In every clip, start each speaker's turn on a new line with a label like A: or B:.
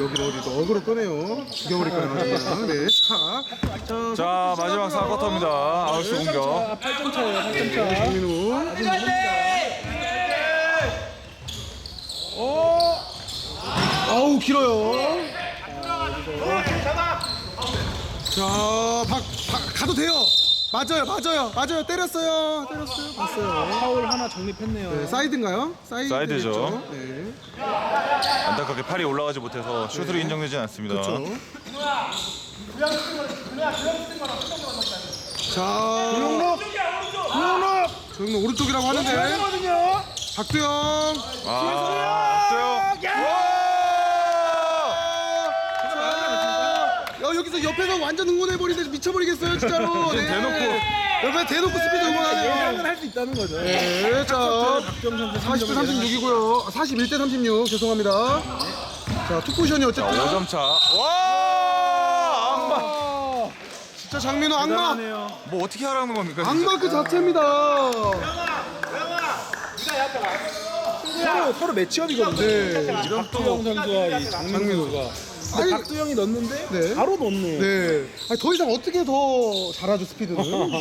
A: 여기를 어디 또 어그로 끄네요. 죽여버릴까요? 정말. 네.
B: 자 마지막 4쿼터입니다. 아울스 공격.
C: 8점 차예요. 8점 차.
A: 장민우.
C: 아직 모릅니다. 오!
A: 아우 길어요. 자, 가도 돼요. 맞아요. 때렸어요. 봤어요.
C: 파울 하나 정립했네요.
A: 네, 사이드인가요?
B: 사이드죠.
A: 네.
B: 안타깝게 팔이 올라가지 못해서 슛으로 인정되진 않습니다.
A: 그렇죠. 자, 조용록 오른쪽이라고 하는데 박두영. 여기서 옆에서 완전 응원해버리는데 미쳐버리겠어요 진짜로. 네. 옆에 대놓고 스피드 응원하네요.
C: 예상은 할 수 있다는 거죠.
A: 네, 자
C: 박정 선수
A: 40대 36이고요. 41대 36 죄송합니다. 자 투포션이 어쨌든
B: 5점 차. 와! 악마.
A: 진짜 장민호 악마.
C: 대단하네요.
B: 뭐 어떻게 하라는 겁니까? 진짜?
A: 악마 그 자체입니다.
C: 서로 매치업이거든요.
A: 네.
C: 박두영 선수와 이 장민호 선수가.
A: 아니,
C: 박두영이 넣었는데
A: 네.
C: 바로 넣네.
A: 네. 아니, 더 이상 어떻게 더 잘하죠 스피드는.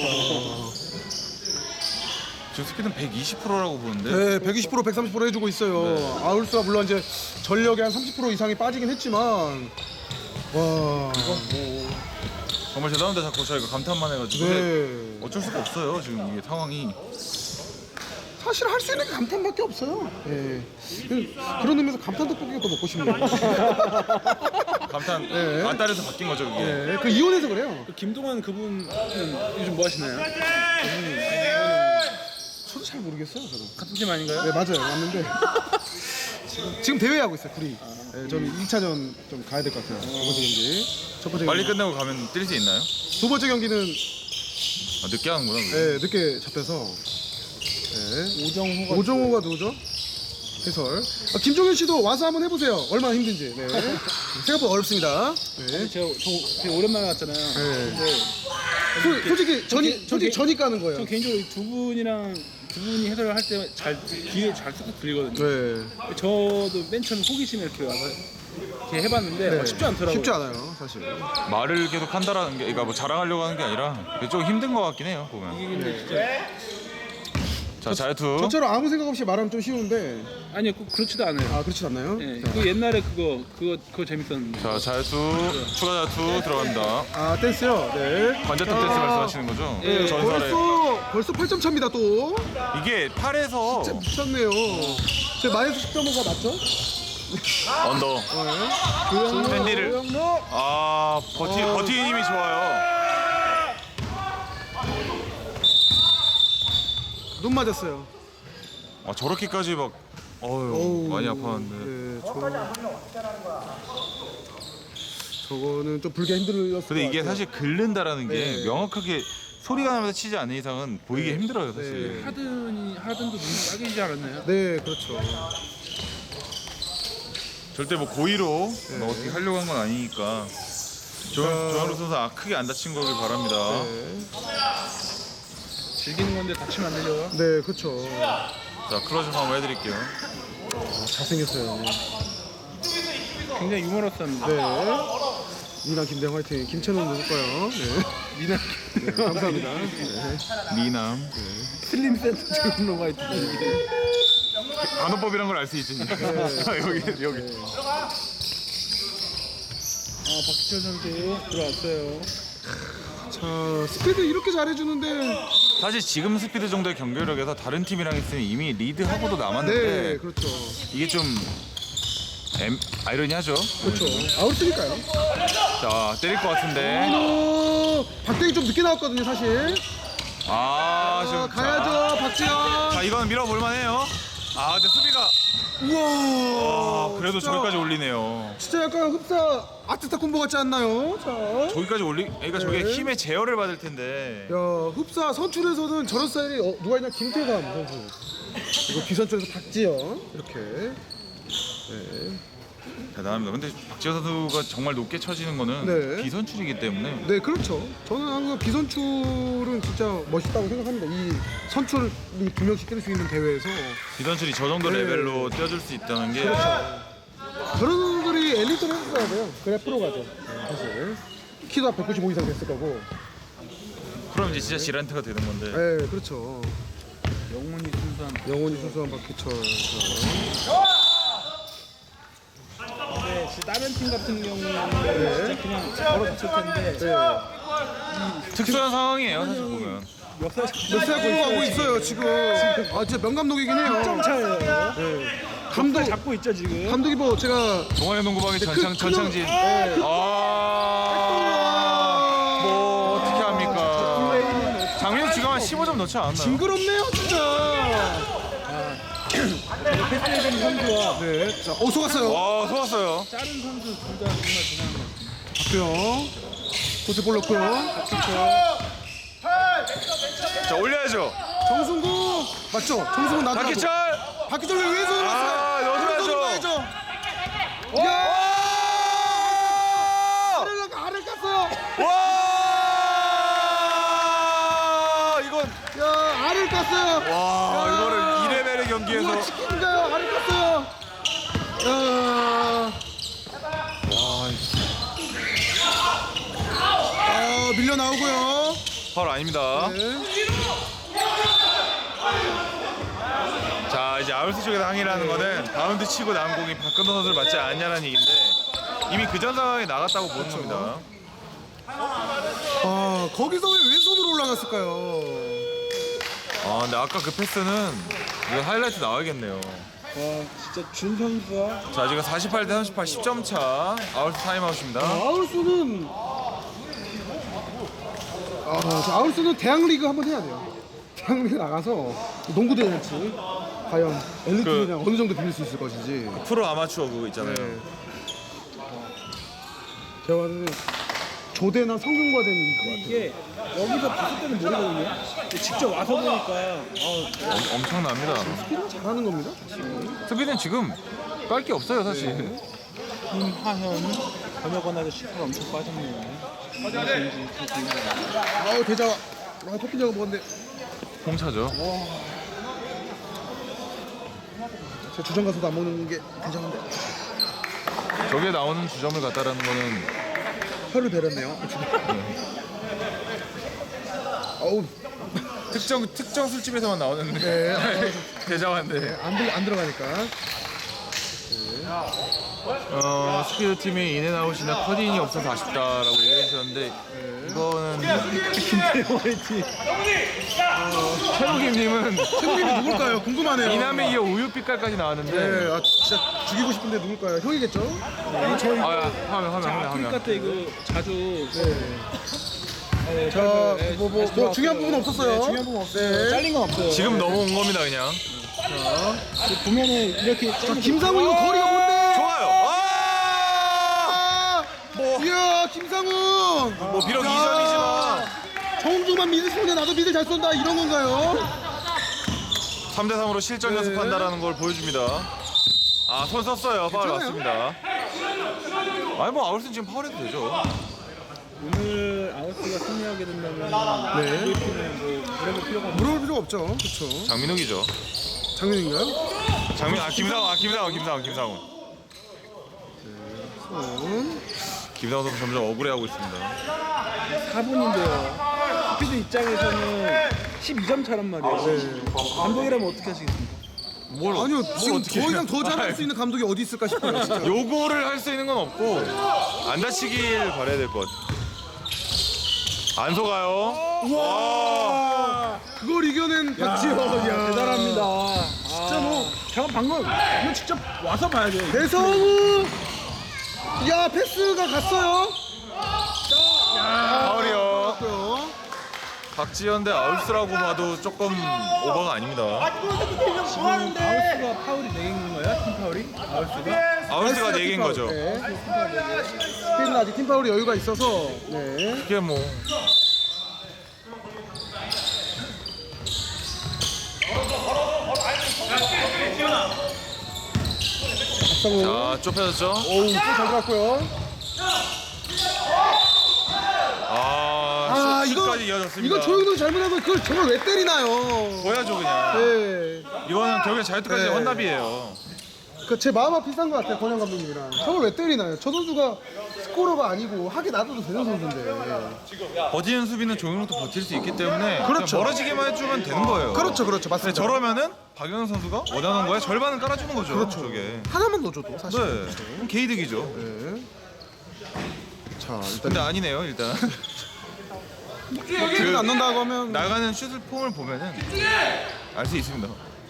B: 지금 스피드는 120%라고 보는데.
A: 네, 120% 130% 해주고 있어요.
B: 네.
A: 아울스가 물론 이제 전력의 한 30% 이상이 빠지긴 했지만 와.
B: 정말 대단한데 자꾸 저희가 감탄만 해가지고.
A: 네.
B: 근데 어쩔 수가 없어요 지금 이게 상황이.
A: 사실 할 수 있는 게 감탄밖에 없어요. 예. 그런 의미에서 감탄 떡볶이가 더 먹고 싶네요.
B: 감탄
A: 네.
B: 안달에서 바뀐 거죠 그게.
A: 예. 그 이혼해서 그래요.
C: 김동완 그분은 요즘 뭐 하시나요?
A: 저도 잘 모르겠어요. 저도.
C: 같은 팀 아닌가요?
A: 네 맞아요. 맞는데 지금 대회하고 있어요. 둘이. 네, 저는 2차전 좀 가야 될 것 같아요. 두 번째 경기. 첫 번째
B: 빨리
A: 경기.
B: 끝내고 가면 뛸 수 있나요?
A: 두 번째 경기는
B: 아, 늦게 하는구나. 그게.
A: 네, 늦게 잡혀서. 네. 오정호가 누구죠? 해설. 김종현 씨도 와서 한번 해보세요. 얼마나 힘든지. 네. 생각보다 어렵습니다. 네.
C: 제가 되게 오랜만에 왔잖아요.
A: 네.
C: 근데
A: 솔직히 전이 까는 거예요.
C: 저 개인적으로 이 두 분이 해설을 할 때 귀에 잘 쏙쏙 들리거든요.
A: 네.
C: 저도 맨 처음에 호기심에 이렇게 와서 이렇게 해봤는데
A: 네.
C: 쉽지 않더라고요.
A: 쉽지 않아요, 사실.
B: 말을 계속 한다라는 게, 그러니까 뭐 자랑하려고 하는 게 아니라 좀 힘든 것 같긴 해요 보면.
C: 이게 근데 진짜
B: 자 자유투.
A: 저처럼 아무 생각 없이 말하면 좀 쉬운데.
C: 아니요, 꼭 그렇지도 않아요.
A: 아, 그렇진 않나요?
C: 네,
A: 자.
C: 그 옛날에 그거 재밌었는데.
B: 자 자유투 추가 자유투 들어갑니다.
A: 아, 댄스요? 네.
B: 관자탑 댄스 말씀하시는 거죠?
C: 네,
B: 전설의.
A: 벌써 8점 차입니다, 또.
B: 이게 팔에서
A: 진짜 미쳤네요. 제 마이너스 10.5가 맞죠?
B: 언더. 샌디를.
C: 조영로.
B: 아 버티는 힘이 좋아요.
A: 눈 맞았어요.
B: 아 저렇게까지 막 어휴 많이 아팠는데.
A: 네, 저거는 좀 불게 힘들었을
B: 근데 이게
A: 것 같아요.
B: 사실 긁는다라는 게
A: 네.
B: 명확하게 소리가 나면서 치지 않는 이상은 보이기
A: 네.
B: 힘들어요 사실.
A: 네.
C: 하든도 눈이 빨개지지 않았나요?
A: 네, 그렇죠.
B: 절대 뭐 고의로
A: 네.
B: 뭐 어떻게 하려고 한 건 아니니까. 조현우 선수 크게 안 다친 거길 바랍니다.
A: 네,
C: 즐기는 건데 다치면 안 되죠.
A: 네 그렇죠.
B: 자 클로즈 한번 해드릴게요.
A: 잘생겼어요.
C: 굉장히 유머러스합니다.
A: 네. 미남 김대영 화이팅. 김채널 누굴까요? 네.
C: 미나
A: 네, 감사합니다. 네.
B: 미남.
C: 슬림 센터 조영로 화이트.
B: 간호법이란 걸 알 수 있지. 여기.
C: 박지철 선수 들어왔어요.
A: 자, 스피드 이렇게 잘해주는데.
B: 사실 지금 스피드 정도의 경기력에서 다른 팀이랑 있으면 이미 리드하고도 남았는데
A: 네, 그렇죠.
B: 이게 좀 아이러니하죠.
A: 그렇죠. 아웃이니까요.
B: 자 때릴 것 같은데.
A: 박대기 좀 늦게 나왔거든요, 사실.
B: 지금
A: 가야죠, 박지현.
B: 자 이건 밀어볼만해요. 근데 수비가
A: 우와.
B: 그래도
A: 진짜,
B: 저기까지 올리네요.
A: 진짜 약간 흡사 아트타 콤보 같지 않나요? 자.
B: 저기까지 그러니까 저게
A: 네.
B: 힘의 제어를 받을 텐데.
A: 야, 흡사 선출에서는 저런 스타일이 누가 있냐? 김태감 선수. 그리고 비선출에서 박지현 이렇게. 네.
B: 대단합니다. 근데 박지현 선수가 정말 높게 쳐지는 거는
A: 네.
B: 비선출이기 때문에.
A: 네, 그렇죠. 저는 항상 비선출은 진짜 멋있다고 생각합니다. 이 선출이 두 명씩 뛸 수 있는 대회에서
B: 비선출이 저 정도
A: 네.
B: 레벨로 뛰어줄 수 있다는 게
A: 저런 선수들이 엘리트를 했어요. 있어야 돼요. 그래야 프로가 돼. 사실 키도 195 이상 됐을 거고.
B: 그럼 이제 진짜 지란트가 되는 건데.
A: 네, 그렇죠.
C: 영원히 순수한.
A: 영원히 순수한 박희철.
C: 근데 진짜 다른 팀 같은 경우는 진짜 그냥 걸어붙을 텐데
A: 네.
B: 특수한 상황이에요 사실 보면.
C: 역사에
A: 몇 살 공부하고 있어요 지금. 아 진짜 명감독이긴 해요.
C: 1점 차예요.
A: 네. 감독
C: 잡고 있죠 지금.
A: 감독이 뭐 제가
B: 동아리 농구방의 전창진.
A: 네.
B: 뭐 어떻게 합니까? 장민호 지금 한 15점 넣지 않았나요?
A: 징그럽네요 진짜.
C: 패스해준 선수와
A: 네. 자, 속았어요.
B: 와 속았어요.
C: 다른 선수 둘 다 정말 대단한 것 같습니다.
A: 박규영. 코스 볼 넣고요.
B: 자 올려야죠.
A: 정승구 맞죠? 정승구 나더라고.
B: 박희철.
A: 박희철 왜 왼손으로
B: 아,
A: 넣었어요?
B: 넣어줘야죠.
A: 야!
B: 와!
A: 알을 깠어요.
B: 와! 이건
A: 야, 알을 깠어요.
B: 와
A: 야.
B: 이거를 2레벨의 경기에서
A: 우와, 치킨인가요? 알을 깠어요. 야. 밀려 나오고요.
B: 파울 아닙니다.
A: 네.
B: 자 이제 아울스 쪽에서 항의를 하는 거는 바운드 치고 나온 공이 박근호 선수를 맞지 않냐는 얘기인데 이미 그 전 상황에 나갔다고 보는 겁니다.
A: 아, 거기서 왜 왼손으로 올라갔을까요?
B: 아 근데 아까 그 패스는 이거 하이라이트 나와야겠네요.
C: 와 진짜 준 선수와
B: 자 지금 48대 38 10점 차 아울스 타임아웃입니다.
A: 아울스는 아울스는 대학리그 한번 해야 돼요. 대학리그 나가서 농구 대잔치 과연 엘리트냐 어느 정도 빌릴 수 있을 것인지.
B: 프로 아마추어 그거 있잖아요.
A: 네. 제가 봤을 때 조대나 성균과 되는 것 같아요.
C: 이게 여기서 봤을 때는 모르거든요. 근데 직접 와서 보니까
B: 엄청납니다.
A: 스피드가 잘하는 겁니다.
B: 스피드는 지금 깔 게 없어요 사실.
C: 김하현, 권혁원 아저씨 살 엄청 빠졌네요.
A: 아우 대자. 커피 저거 먹었는데
B: 홍차죠.
A: 제 주점 가서도 안 먹는 게 괜찮은데
B: 저게 나오는 주점을 갖다라는 거는
A: 혀를 베렸네요. 어우
B: 특정 술집에서만 나오는데
A: 네.
B: 대자화인데
A: 안 들어가니까.
B: 스피드 팀이 인앤아웃이나 커딩이 없어서 아쉽다라고 얘기해 주셨는데 이거는 최록임님은
A: 형님이 누굴까요? 궁금하네요.
B: 이남에 이어 우유빛깔까지 나왔는데
A: 네, 아 진짜 죽이고 싶은데 누굴까요? 형이겠죠?
C: 저희
B: 화면
C: 아프리카 때 이거 자주
A: 자, 뭐 중요한 부분 없었어요.
C: 네, 중요한 부분 없어요.
A: 네.
C: 잘린 건 없어요.
B: 지금 넘어온 겁니다 그냥.
C: 보면은 이렇게
A: 자, 김상우 이거 거리가 뭔데?
B: 좋아요.
A: 이야, 김상우.
B: 뭐 비록 2점이지만
A: 정중만 믿을 쏘냐 나도 믿을 잘 쏜다 이런 건가요?
B: 3대3으로 실전 연습한다라는 걸 보여줍니다. 아, 손 썼어요. 파울
A: 괜찮아요.
B: 맞습니다. 아니 뭐 아울슨 지금 파울해도 되죠.
C: 오늘 아웃스가 승리하게 된다면
A: 네.
C: 우리 팀은 뭐 물어볼 필요가 없는
A: 물어볼 필요가 없죠. 그렇죠.
B: 장민욱이죠.
A: 장면인가요?
B: 김상훈.
A: 손.
B: 김상훈 선수 점점 억울해하고 있습니다.
C: 4분인데요. 스피드 입장에서는 12점 차란 말이에요.
A: 네.
C: 감독이라면 어떻게 하시겠습니까?
A: 아니요, 지금
B: 어떻게
A: 더 이상
B: 해요?
A: 더 잘할 수 있는 감독이 어디 있을까 싶어요. 진짜.
B: 요거를 할 수 있는 건 없고 안 다치길 바라야 될 것 같아요. 안 속아요.
A: 와, 그걸 이겨낸 박지현. 야,
C: 대단합니다.
A: 진짜 뭐
C: 잠깐 방금 이거 직접 와서 봐야 돼요.
A: 배성우. 야, 패스가 갔어요.
B: 파울이요.
A: 갔고요.
B: 박지현 대 아울스라고 봐도 조금 오버가 아닙니다.
C: 지금 아웃스가 파울이 4개인 건가요? 팀 파울이? 아웃스가?
B: 아울스가 4개인 거죠.
A: 네. 스피드는 아직 팀 파울이 여유가 있어서. 네.
B: 이게 뭐
A: 박성우.
B: 자, 좁혀졌죠?
A: 오우, 잘 들어갔고요.
B: 슛까지 이어졌습니다.
A: 이거 조용도 잘못하면 그걸 정말 왜 때리나요?
B: 보여줘 그냥.
A: 네.
B: 이거는 결국엔 자유투까지
A: 네.
B: 헌납이에요.
A: 제 마음 비슷한 것 같아요, 권영 감독님이랑. 저걸 왜 때리나요? 저 선수가 스코러가 아니고 하게 놔둬도 되는 선수인데.
B: 버티는 수비는 조용록도 버틸 수 있기 때문에
A: 그렇죠.
B: 그냥 멀어지게만 해주면 되는 거예요.
A: 그렇죠,
B: 근데
A: 맞습니다.
B: 저러면은 박영현 선수가 원하는 거에 절반은 깔아주는 거죠.
A: 그렇죠.
B: 저게.
A: 하나만 넣어줘도 사실.
B: 네.
A: 그렇죠.
B: 그럼 개이득이죠.
A: 네. 자, 일단
B: 근데 아니네요 일단.
A: 킥을 안 넣는다고 하면
B: 나가는 슛을 폼을 보면은 알 수 있습니다.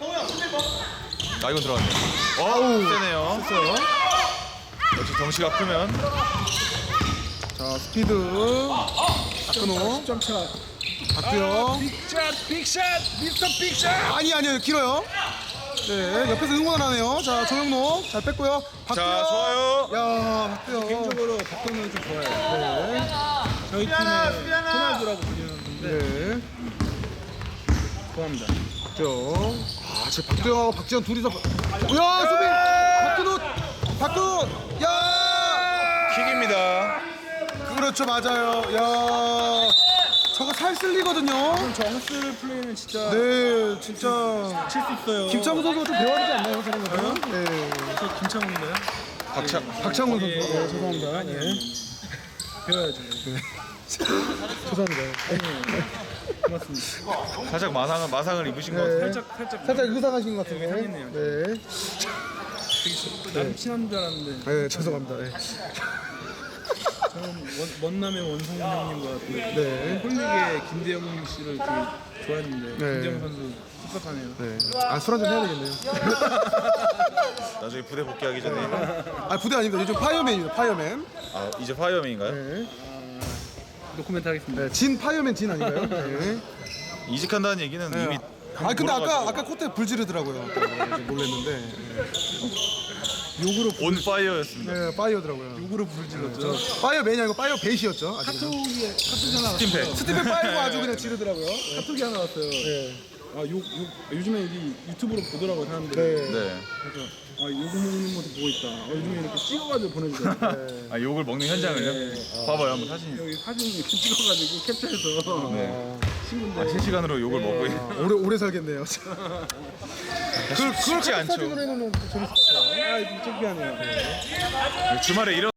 B: 아 이건 들어갔네. 어우 세네요.
A: 했어요.
B: 역시 덩치가 크면
A: 자, 스피드. 박근호.
C: 10점 차.
A: 박두영.
C: 빅샷, 미스터 빅샷.
A: 아니요, 길어요. 네, 옆에서 응원하네요. 자, 조영록 잘 뺐고요. 박두영.
B: 자 좋아요.
A: 야, 박두영.
C: 개인적으로 박동현 좀 좋아해요.
A: 네.
C: 저희 팀의 호날두라고 불리는데
A: 네.
C: 좋아합니다.
A: 박두영. 아, 지금 박두영하고 박지현 둘이서. 야, 수비. 박근호. 야.
B: 킥입니다.
A: 그렇죠, 맞아요. 야. 저거 살쓸리거든요.
C: 저 헛슬 플레이는 진짜
A: 네, 진짜.
C: 칠 수 있어요.
A: 김창훈 선수가 좀 배워야 되지 않나요, 저런 거는? 네.
C: 저 김창훈인가요?
A: 박창훈 선수.
C: 예,
A: 네, 죄송합니다. 네.
C: 배워야죠.
A: 죄송합니다.
C: 고맙습니다.
B: 살짝 마상을 입으신 것 같아요.
A: 네. 살짝 의상하신 것 같은데.
C: 상했네요.
A: 네.
C: 남친한 줄 알았는데
A: 네, 죄송합니다. 네.
C: 저는 원남의 원성훈 형님과 그
A: 네.
C: 홀릭의 김대영 씨를 되게 좋아했는데
A: 네.
C: 김대영 선수 섭섭하네요.
A: 네. 아, 술 한잔 해야 되겠네요.
B: 나중에 부대 복귀하기 전에
A: 아, 부대 아닙니다. 요즘 파이어맨입니다. 파이어맨.
B: 아 이제 파이어맨인가요?
A: 네.
C: 노코멘트 하겠습니다.
A: 네. 진 파이어맨 진 아닌가요? 네.
B: 이직한다는 얘기는 이미
A: 아, 근데
B: 돌아가지고.
A: 아까 코트에 불 지르더라고요. 놀랬는데.
C: 욕으로
B: 온 파이어였습니다.
A: 네, 파이어더라고요.
C: 욕으로 불질렀죠.
A: 파이어맨이 아니고 파이어 베이시였죠. 아직은.
C: 카톡이 하나 왔어요.
B: 스팀팩.
A: 스티븐 파이어가 아주 그냥 지르더라고요.
C: 카톡이 하나 왔어요.
A: 네.
C: 요즘에 이 유튜브로 보더라고요 사람들이.
A: 네.
B: 네.
C: 그래서 욕을 먹는 것도 보고 있다. 요즘에 이렇게 찍어가지고 보내주더라고요.
A: 네.
B: 아 욕을 먹는 현장을요? 봐봐요 한번 사진.
C: 여기 사진 이렇게 찍어가지고 캡처해서
B: 네.
C: 친구인데
B: 아, 실시간으로 욕을 먹고 있는.
A: 오래 살겠네요.
B: 쉽지 않죠.
A: 사진으로 해놓으면 재밌을 것 같아요.
C: 좀 창피하네요.
B: 주말에 이런